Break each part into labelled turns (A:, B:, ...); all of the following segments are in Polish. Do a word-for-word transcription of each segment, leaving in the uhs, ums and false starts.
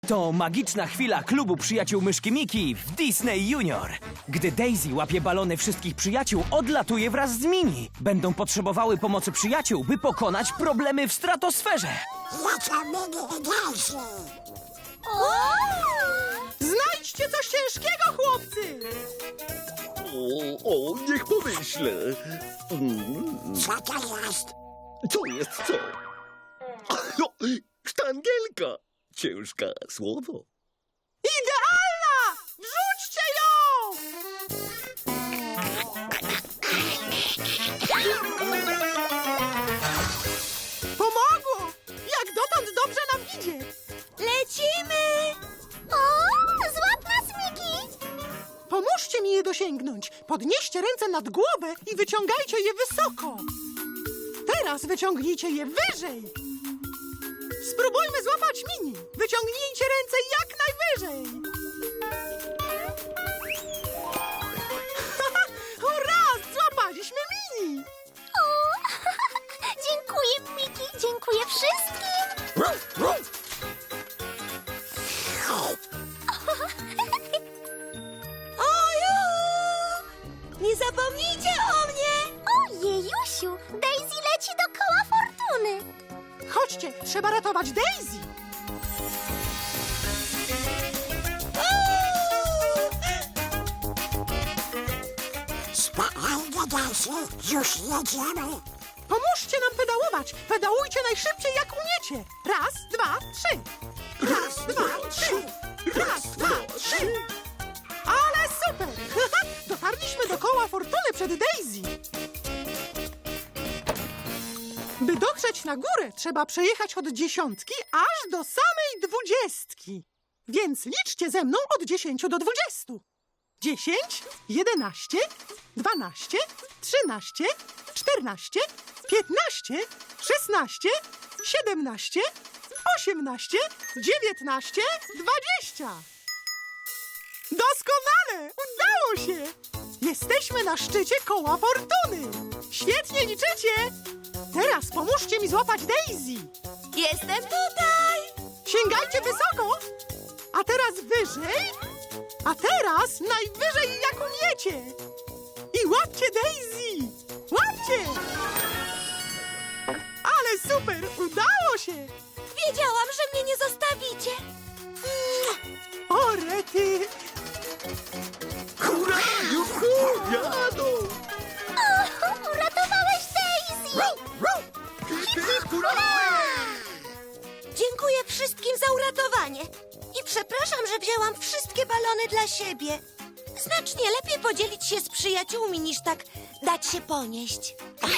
A: To magiczna chwila klubu przyjaciół myszki Miki w Disney Junior. Gdy Daisy łapie balony wszystkich przyjaciół, odlatuje wraz z Mini. Będą potrzebowały pomocy przyjaciół, by pokonać problemy w stratosferze.
B: Znajdźcie coś ciężkiego, chłopcy!
C: O, o, niech pomyślę. Mm,
D: Co to jest?
C: co jest co? O, sztangielka. Ciężka słowo.
B: Idealna! Wrzućcie ją! Pomogło! Jak dotąd dobrze nam idzie!
E: Lecimy! O, złap nas, Miki!
B: Pomóżcie mi je dosięgnąć. Podnieście ręce nad głowę i wyciągajcie je wysoko. Teraz wyciągnijcie je wyżej. Spróbujmy złapać Mini. Wyciągnijcie ręce jak najwyżej. Hurra! Złapaliśmy Mini!
E: O, dziękuję, Miki, dziękuję wszystkim!
B: Oju! Nie zapomnijcie o mnie!
E: Ojejusiu, Daisy leci do koła fortuny!
B: Chodźcie, trzeba ratować Daisy.
D: Spokojnie, Daisy, już jedziemy.
B: Pomóżcie nam pedałować. Pedałujcie najszybciej, jak umiecie. Raz, dwa, trzy. Raz, dwa, trzy. Raz, dwa, trzy. Ale super! Dotarliśmy do koła fortuny przed Daisy. By dotrzeć na górę, trzeba przejechać od dziesiątki aż do samej dwudziestki. Więc liczcie ze mną od dziesięciu do dwudziestu. Dziesięć, jedenaście, dwanaście, trzynaście, czternaście, piętnaście, szesnaście, siedemnaście, osiemnaście, dziewiętnaście, dwadzieścia. Doskonale! Udało się! Jesteśmy na szczycie koła fortuny. Świetnie liczycie! Teraz pomóżcie mi złapać Daisy. Jestem tutaj! Sięgajcie wysoko! A teraz wyżej! A teraz najwyżej jak umiecie! I łapcie Daisy! Łapcie! Ale super! Udało się!
E: Wiedziałam, że mnie nie zostawicie!
B: O, rety!
C: Hurra, juhu, jadą.
E: O, uratowałeś Daisy!
C: Hurra!
E: Dziękuję wszystkim za uratowanie. I przepraszam, że wzięłam wszystkie balony dla siebie. Znacznie lepiej podzielić się z przyjaciółmi, niż tak dać się ponieść.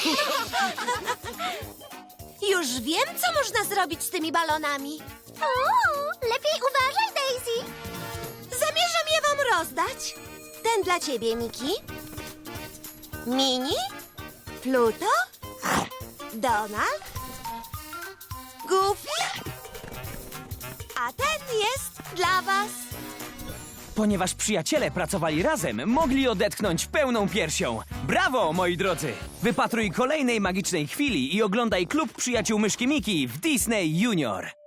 E: Już wiem, co można zrobić z tymi balonami. O, lepiej uważaj, Daisy. Zamierzam je wam rozdać. Ten dla ciebie, Miki. Mini? Pluto? Donald? Goofy? A ten jest dla was.
A: Ponieważ przyjaciele pracowali razem, mogli odetchnąć pełną piersią. Brawo, moi drodzy! Wypatruj kolejnej magicznej chwili i oglądaj klub przyjaciół myszki Miki w Disney Junior.